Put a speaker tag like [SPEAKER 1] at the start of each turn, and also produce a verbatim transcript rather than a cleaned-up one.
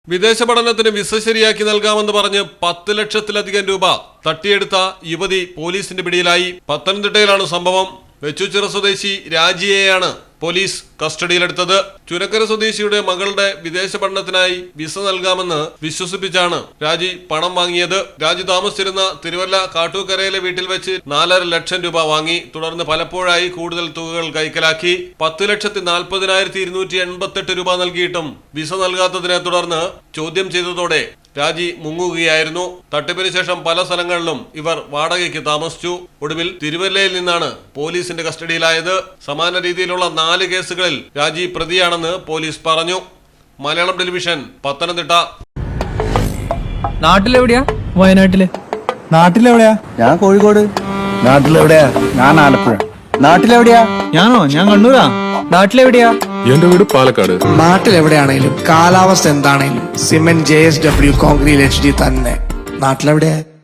[SPEAKER 1] വിദേശ പഠനത്തിന് വിസ ശരിയാക്കി നൽകാമെന്ന് പറഞ്ഞ് പത്ത് ലക്ഷത്തിലധികം രൂപ തട്ടിയെടുത്ത യുവതി പോലീസിന്റെ പിടിയിലായി. പത്തനംതിട്ടയിലാണ് സംഭവം. വെച്ചൂച്ചിറ സ്വദേശി രാജിയെയാണ് പോലീസ് കസ്റ്റഡിയിലെടുത്തത്. ചുനക്കര സ്വദേശിയുടെ മകളുടെ വിദേശ പഠനത്തിനായി വിസ നൽകാമെന്ന് വിശ്വസിപ്പിച്ചാണ് രാജി പണം വാങ്ങിയത്. രാജി താമസിച്ചിരുന്ന തിരുവല്ല കാട്ടൂക്കരയിലെ വീട്ടിൽ വെച്ച് നാലര ലക്ഷം രൂപ വാങ്ങി. തുടർന്ന് പലപ്പോഴായി കൂടുതൽ തുകകൾ കൈക്കലാക്കി. പത്ത് ലക്ഷത്തി നാൽപ്പതിനായിരത്തി ഇരുന്നൂറ്റി എൺപത്തെട്ട് രൂപ നൽകിയിട്ടും വിസ നൽകാത്തതിനെ തുടർന്ന് ചോദ്യം ചെയ്തതോടെ രാജി മുങ്ങുകയായിരുന്നു. തട്ടിപ്പിന് ശേഷം പല സ്ഥലങ്ങളിലും ഇവർ വാടകയ്ക്ക് താമസിച്ചു. ഒടുവിൽ തിരുവല്ലയിൽ നിന്നാണ് പോലീസിന്റെ കസ്റ്റഡിയിലായത്. സമാന രീതിയിലുള്ള നാല് കേസുകളിൽ രാജി പ്രതിയാണെന്ന് പോലീസ് പറഞ്ഞു. മലയാളം ടെലിവിഷൻ, പത്തനംതിട്ട.
[SPEAKER 2] നാട്ടിലെവിടെയാ? വയനാട്ടില്.
[SPEAKER 3] നാട്ടിലെവിടെയാ?
[SPEAKER 4] ഞാൻ കോഴിക്കോട്.
[SPEAKER 3] നാട്ടിലെവിടെയാ? ഞാൻ ആലപ്പുഴ.
[SPEAKER 4] നാട്ടിലെവിടെയാ?
[SPEAKER 3] ഞാനോ? ഞാൻ കണ്ണൂരാ.
[SPEAKER 2] നാട്ടിലെവിടെയാ?
[SPEAKER 5] എന്റെ വീട് പാലക്കാട്.
[SPEAKER 6] നാട്ടിലെവിടെയാണേലും കാലാവസ്ഥ എന്താണേലും cement J S W concrete H D തന്നെ. നാട്ടിലെവിടെയാ?